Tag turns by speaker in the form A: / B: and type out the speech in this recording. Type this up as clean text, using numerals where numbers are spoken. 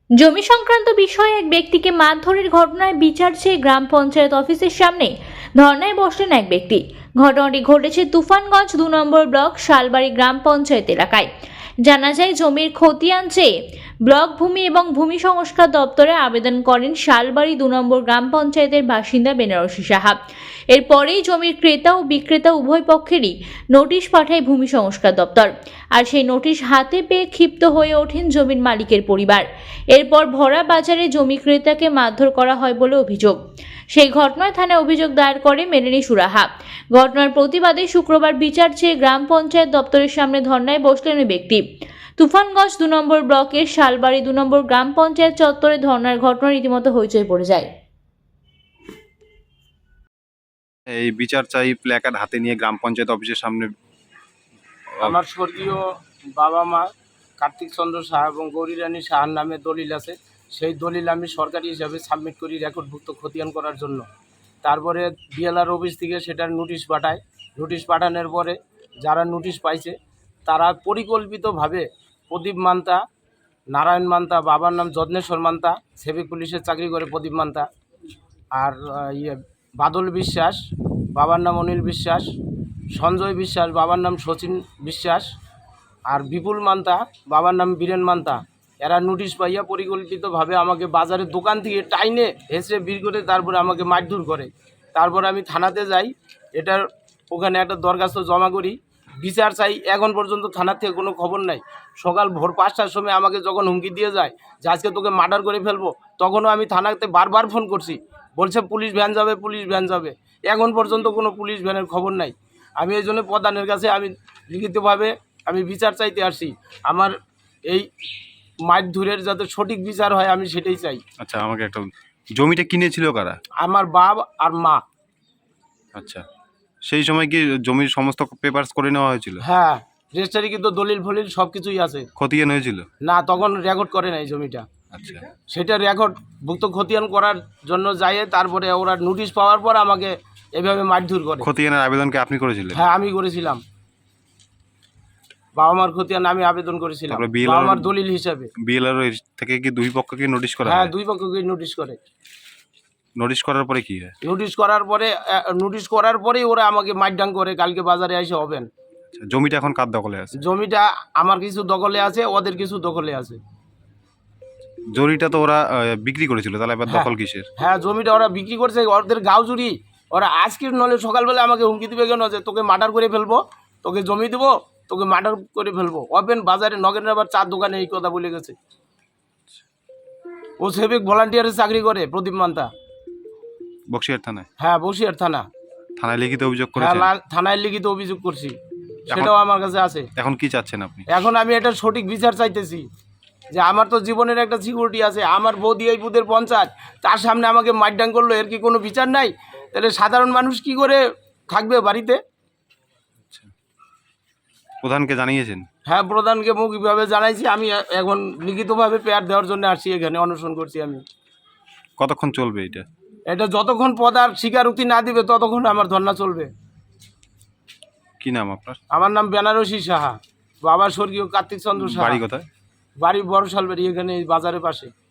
A: জমি সংক্রান্ত বিষয়ে এক ব্যক্তিকে মারধরের ঘটনায় বিচার চেয়ে গ্রাম পঞ্চায়েত অফিসের সামনে ধর্নায় বসলেন এক ব্যক্তি। ঘটনাটি ঘটেছে তুফানগঞ্জ 2 নম্বর ব্লক শালবাড়ি গ্রাম পঞ্চায়েত এলাকায়। জানা যায়, জমির খতিয়ান চেয়ে ব্লক ভূমি এবং ভূমি সংস্কার দপ্তরে আবেদন করেন শালবাড়ি 2 নম্বর গ্রাম পঞ্চায়েতের বাসিন্দা বেনারসি সাহা। এরপরেই জমির ক্রেতা ও বিক্রেতা উভয় পক্ষেরই নোটিশ পাঠায় ভূমি সংস্কার দপ্তর। আর সেই নোটিশ হাতে পেয়ে ক্ষিপ্ত হয়ে ওঠেন জমির মালিকের পরিবার। এরপর ভরা বাজারে জমি ক্রেতাকে মারধর করা হয় বলে অভিযোগ। সেই ঘটনায় থানায় অভিযোগ দায়ের করে মেলেনি সুরাহা। ঘটনার প্রতিবাদে শুক্রবার বিচার চেয়ে গ্রাম পঞ্চায়েত দপ্তরের সামনে ধর্নায় বসলেন ওই ব্যক্তি। তুফানগঞ্জ 2 নম্বর ব্লকের শালবাড়ি 2 নম্বর গ্রাম পঞ্চায়েত চত্বরে ধর্নার ঘটনা রীতিমতো হইচই পড়ে যায়।
B: এই বিচার চাই প্ল্যাকার্ড হাতে নিয়ে গ্রাম পঞ্চায়েত অফিসের সামনে।
C: আমার স্বর্গীয় বাবা মা কার্তিক চন্দ্র সাহা এবং গৌরী রানী সাহার নামে দলিল আছে। সেই দলিল আমি সরকারি হিসাবে সাবমিট করি রেকর্ডভুক্ত খতিয়ান করার জন্য। তারপরে বিএলআর অফিস থেকে সেটার নোটিশ পাঠায়। নোটিশ পাঠানোর পরে যারা নোটিশ পাইছে তারা পরিকল্পিতভাবে প্রদীপ মান্তা, নারায়ণ মান্তা, বাবার নাম যত্নেশ্বর মান্তা, সিভিক পুলিশের চাকরি করে প্রদীপ মান্তা, আর বাদল বিশ্বাস, বাবার নাম অনিল বিশ্বাস, সঞ্জয় বিশ্বাস, বাবার নাম শচীন বিশ্বাস, আর বিপুল মান্তা, বাবার নাম বীরেন মান্তা। এরা নোটিশ পাইয়া পরিকল্পিতভাবে আমাকে বাজারের দোকান থেকে টাইনে হেসে বের করে তারপরে আমাকে মারধর করে। তারপরে আমি থানাতে যাই, এটার ওখানে একটা দরখাস্ত জমা করি, বিচার চাই। এখন পর্যন্ত থানার থেকে কোনো খবর নাই। সকাল ভোর 5টার সময় আমাকে যখন হুমকি দিয়ে যায় যে আজকে তোকে মার্ডার করে ফেলবো, তখনও আমি থানাতে বারবার ফোন করছি, বলছে পুলিশ ভ্যান যাবে, পুলিশ ভ্যান যাবে। এখন পর্যন্ত কোনো পুলিশ ভ্যানের খবর নাই। আমি এই জন্য প্রধানের কাছে আমি লিখিতভাবে আমি বিচার চাইতে আসি। আমার এই মারধরের যাতে সঠিক বিচার হয় আমি সেটাই চাই।
B: আচ্ছা, আমাকে একটা, জমিটা কিনেছিল কারা?
C: আমার বাপ আর মা।
B: আচ্ছা, সেই সময় কি জমির সমস্ত পেপারস করে নেওয়া হয়েছিল?
C: হ্যাঁ, রেজিস্ট্রারি কিন্তু দলিল ফলিল সব কিছুই আছে।
B: খতিয়ান হয়েছিল?
C: না, তখন রেকর্ড করে নাই জমিটা।
B: আচ্ছা,
C: সেটা রেকর্ড ভুক্ত খতিয়ান করার জন্য যাই, তারপরে ওরা নোটিশ পাওয়ার পর আমাকে এভাবে মারধর করে।
B: খতিয়ানের আবেদনকে আপনি করেছিলেন?
C: হ্যাঁ, আমি করেছিলাম। বাবা মার খতিয়ান আমি আবেদন করেছিলাম
B: তারপরে BLR
C: বাবা মার দলিল হিসাবে।
B: বিএলআর থেকে কি দুই পক্ষকে নোটিশ করা
C: হ্যাঁ,
B: হয়?
C: দুই পক্ষকে নোটিশ করে।
B: নোটিশ করার পরে কি হয়?
C: নোটিশ করার পরেই ওরা আমাকে মারডাং করে কালকে বাজারে এসে হবেন।
B: আচ্ছা, জমিটা এখন কার দখলে আছে?
C: জমিটা আমার কিছু দখলে আছে, ওদের কিছু দখলে আছে।
B: জমিটা তো ওরা বিক্রি করেছিল, তাহলে এবার
C: হ্যাঁ।
B: দখল কিসের?
C: হ্যাঁ, জমিটা ওরা বিক্রি করছে, ওদের গাঁও জুড়ি। ওরা আজকের নলে সকালবেলা আমাকে হুমকি দিবে কেন যে তোকে মার্ডার করে ফেলবো, তোকে জমি দেবো, তোকে মার্ডার করে ফেলবো। ওপেন বাজারে নগেনের আবার চার দোকানে এই কথা বলে গেছে। ও সিভিক ভলান্টিয়ারের চাকরি করে প্রদীপ মান্তা।
B: বক্সিয়ার থানায়?
C: হ্যাঁ, বসিয়ার থানা।
B: থানায় লিখিত অভিযোগ
C: হ্যাঁ,
B: করেছেন?
C: থানায় লিখিত অভিযোগ করছি, সেটাও আমার কাছে আছে।
B: এখন কি চাচ্ছেন আপনি?
C: এখন আমি এটা সঠিক বিচার চাইতেছি যে আমার তো জীবনের একটা সিকিউরিটি আছে। আমার বৌদি এই বুধের পঞ্চায়েত, তার সামনে আমাকে মারডাং করলো, এর কি কোনো বিচার নাই? তাহলে সাধারণ মানুষ কি করে থাকবে বাড়িতে?
B: প্রধানকে জানিয়েছেন?
C: হ্যাঁ, প্রধানকে মৌখিকভাবে জানাইছি। আমি এখন লিখিতভাবে পেয়ার দেওয়ার জন্য আসছি, এখানে অনশন করছি আমি।
B: কতক্ষণ চলবে এটা?
C: এটা যতক্ষণ পদার স্বীকারোক্তি না দিবে ততক্ষণ আমার ধর্না চলবে।
B: কি নাম আপনার?
C: আমার নাম বেনারসি সাহা, বাবা স্বর্গীয় কার্তিক চন্দ্র সাহা।
B: বাড়ি কোথায়?
C: বাড়ি বড় শালবাড়ি, এখানে এই বাজারের পাশে।